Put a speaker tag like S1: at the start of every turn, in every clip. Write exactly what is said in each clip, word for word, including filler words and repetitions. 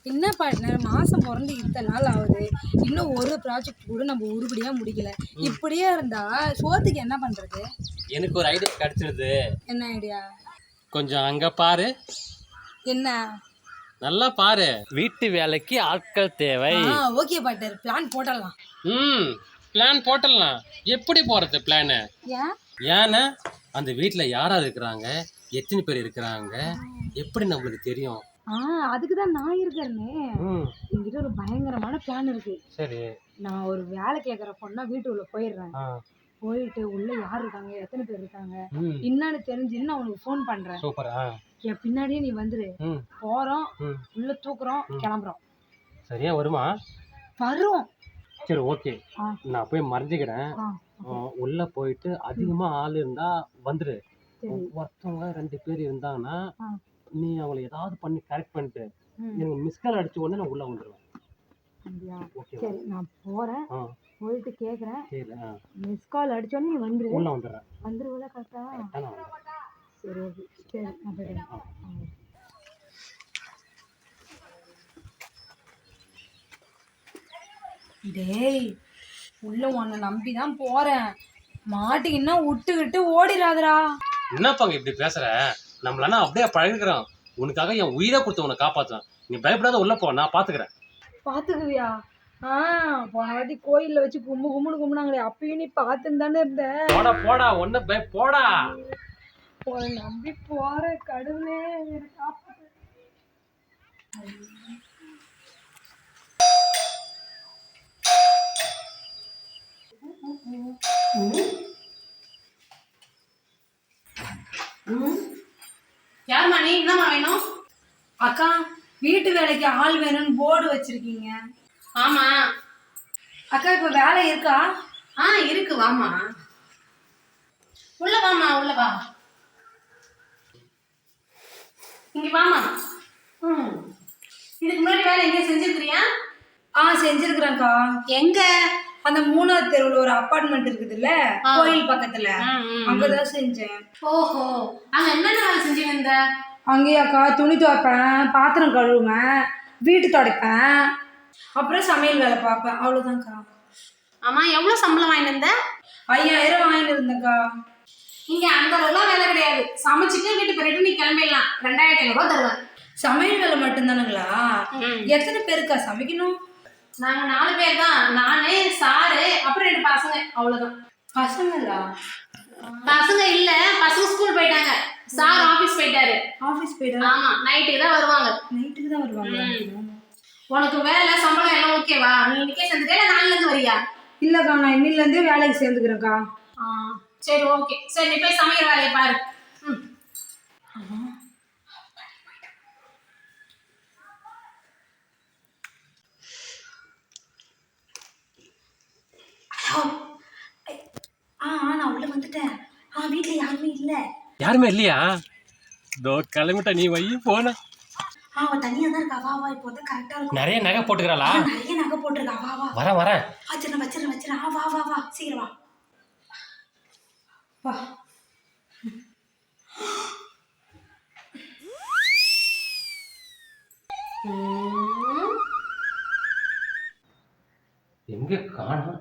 S1: என்ன பார்ட்னர் மாசம் பிறந்து இத்தனை நாள் ஆகுது, இன்னும் ஒரு ப்ராஜெக்ட் கூட நம்ம உருப்படியா முடிக்கல. இப்படியே இருந்தா சோத்துக்கு என்ன பண்றது?
S2: எனக்கு ஒரு ஐடியா கிடைச்சிருது.
S1: என்ன ஐடியா?
S2: கொஞ்சம் அங்க பாரு.
S1: என்ன?
S2: நல்லா பாரு. வீட்டு வேலைக்கு ஆட்கள் தேவை.
S1: ஓகே பார்ட்னர், பிளான் போடலாம்.
S2: ம் பிளான் போட்டலாம். எப்படி போறது பிளான்?
S1: ஏன்
S2: ஏன்னா அந்த வீட்டுல யாரா இருக்கிறாங்க, எத்தனை பேர் இருக்கிறாங்க, எப்படி நம்மளுக்கு தெரியும்?
S1: ஆ அதுக்கு தான் நான் இருக்கேனே. என்கிட்ட ஒரு பயங்கரமான பிளான் இருக்கு.
S2: சரி.
S1: நான் ஒரு வேலை கேட்குற பொண்ணா வீட்டுக்குள்ள போயிடுறேன். போயிட்டு உள்ள யார் இருக்காங்க, எத்தனை பேர் இருக்காங்க என்னன்னு தெரிஞ்சுன்னு நான் உனக்கு ஃபோன் பண்றேன்.
S2: சூப்பர்.
S1: என் பின்னாடியே நீ வந்துரு. போறோம், உள்ள தூக்குறோம், கிளம்புறோம்.
S2: சரியா வருமா?
S1: வரும்.
S2: சரி ஓகே, நான் போய் மறைஞ்சிக்கிறேன். உள்ள போயிட்டு அதிகமா ஆள் இருந்தா வந்துரு. ஒருத்தவங்க ரெண்டு பேர் இருந்தாங்கன்னா நீ அவங்களை ஏதாவது பண்ணி கரெக்ட் பண்ணிட்டு எனக்கு மிஸ் கால் அடிச்ச உடனே நான் உள்ள வந்துடுவேன்.
S1: அப்படியா? சரி நான் போறேன், போயிட்டு கேட்குறேன். மிஸ் கால் அடிச்ச உடனே நீ வந்துரு.
S2: உள்ள வந்துடுறேன்.
S1: வந்துருவல கரெக்டா? சரி ஓகே, சரி நான் போயிடுறேன். டேய், உள்ள உன்னை நம்பி தான் போறேன். மாட்டிங்கன்னா விட்டுக்கிட்டு ஓடிடாதடா.
S2: என்னப்பாங்க இப்படி பேசுற? நம்மளானா அப்படியே பழகிறோம். உனக்காக என் உயிரை கொடுத்து உன்னை காப்பாற்றுவேன். நீ பயப்படாத, உள்ள போ, நான் பாத்துக்கிறேன்.
S1: பாத்துக்குவியா? ஆ போன வாட்டி கோயில்ல வச்சு கும்பு கும்புன்னு கும்பினாங்களே, அப்பயும் நீ பாத்துன்னு தானே இருந்த.
S2: போடா போடா, ஒண்ணு பய போடா.
S1: உன்னை நம்பி போற கடவுளே, காப்பாத்து.
S3: யாருமா நீ? என்னம்மா வேணும்?
S1: அக்கா, வீட்டு வேலைக்கு ஆள் வேணும்னு போர்டு வச்சிருக்கீங்க.
S3: ஆமா
S1: அக்கா, இப்ப வேலை இருக்கா?
S3: ஆ இருக்கு, வாமா உள்ள வாமா, உள்ள வா. இங்க வாமா. ம் இதுக்கு முன்னாடி வேலை எங்கேயும் செஞ்சிருக்கிறியா?
S1: ஆ செஞ்சிருக்கிறேன்க்கா.
S3: எங்க?
S1: அந்த மூணாவது தெருவுல ஒரு அபார்ட்மெண்ட் இருக்குதுல்ல, கோயில் பக்கத்துல, அங்கதான் செஞ்சேன்.
S3: ஓஹோ, அங்க என்னென்ன வேலை செஞ்சு வந்த?
S1: அங்கேயாக்கா துணி துவைப்பேன், பாத்திரம் கழுவுவேன், வீட்டு துடைப்பேன், அப்புறம் சமையல் வேலை பார்ப்பேன். அவ்வளவுதான்க்கா.
S3: ஆமா, எவ்வளவு சம்பளம் வாங்கிட்டு இருந்த?
S1: ஐயாயிரம் வாங்கிட்டு இருந்தேன்க்கா.
S3: இங்க அந்த அளவுலாம் வேலை கிடையாது. சமைச்சிட்டு வீட்டு போயிட்டு நீ கிளம்பிடலாம். ரெண்டாயிரத்தி ஐநூறு ரூபாய் தருவேன்.
S1: சமையல் வேலை மட்டும்தானுங்களா? எத்தனை பேருக்கா சமைக்கணும்?
S3: நாங்க நாலு பேர் தான். நானு, சாரு, அப்புறம் ரெண்டு பசங்க, அவ்வளவுதான்.
S1: பசங்களா?
S3: பசங்க இல்ல, பசங்க ஸ்கூல் போயிட்டாங்க. சார் ஆபீஸ் போயிட்டாரு.
S1: ஆபீஸ் போயிட்டாரு?
S3: ஆமா, நைட்டுக்கு தான் வருவாங்க.
S1: நைட்டுக்கு தான் வருவாங்க.
S3: உனக்கு வேலை சம்பளம் எல்லாம் ஓகேவா? நீ இன்னைக்கே சேர்ந்துட்டே இல்ல நாளைல இருந்து வரியா?
S1: இல்லக்கா, நான் இன்னில இருந்தே வேலைக்கு சேர்ந்துக்கிறேன்க்கா.
S3: சரி ஓகே, சரி நீ போய் சமைக்கிற வேலையை பாரு.
S1: ஆ நான் உள்ள வந்துட்டேன். ஆ வீட்டுல யாருமே இல்ல.
S2: யாருமே இல்லையா? தோ கிளம்பிட்ட, நீ வை போன.
S1: ஆ அவ தனியா தான் இருக்கா. வா வா, இப்போ தான் கரெக்டா இருக்கும்.
S2: நிறைய நகை போட்டுக்கறாளா?
S1: நிறைய நகை போட்டுருக்கா. வா வா.
S2: வரேன் வரேன்.
S1: வச்சிர வச்சிர வச்சிர. ஆ வா வா வா, சீக்கிரம் வா. வா.
S2: எங்க காணோம்?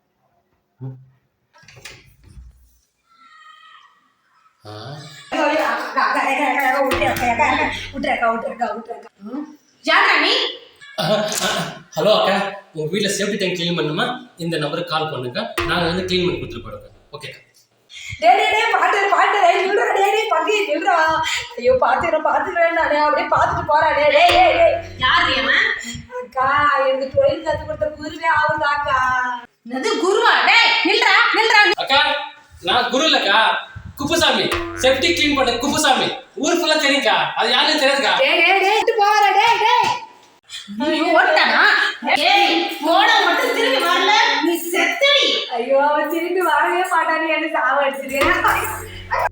S2: ஹலோ அக்கா, உங்க வீட்டுல சேஃப்டி டேங்க் கிளீன் பண்ணுமா? இந்த நம்பருக்கு கால் பண்ணுங்க, நாங்க வந்து கிளீன் பண்ணி கொடுத்துட்டு போறோம். ஓகே.
S1: டே டே டே பாட்டு பாட்டு டேய் நில்றா. டே டே பக்கி நில்றா. ஐயோ பாத்துறேன் பாத்துறேன். நானே அப்படியே பாத்துட்டு போறேன். டே டே டே
S3: யார் ஏமா?
S1: அக்கா, எனக்கு தொழில் கத்து கொடுத்த குருவே ஆவுதாக்கா.
S3: என்னது குருவா? டேய் நில்றா நில்றா.
S2: அக்கா, நான் குரு இல்லக்கா, குப்புசாமி. சேஃப்டி கிளீன் பண்ண குப்புசாமி. ஊர் ஃபுல்லா தெரியும்க்கா, அது யாருன்னு தெரியாதுக்கா.
S1: டே டே டே விட்டு போற. டே டே
S3: நீ ஓட்டானா? ஏய் போட மட்டும் திரும்பி வரல, நீ செத்தடி.
S1: ஐயோ, திரும்பி வரவே மாட்டானே, என்ன சாவ அடிச்சிருக்கேன்.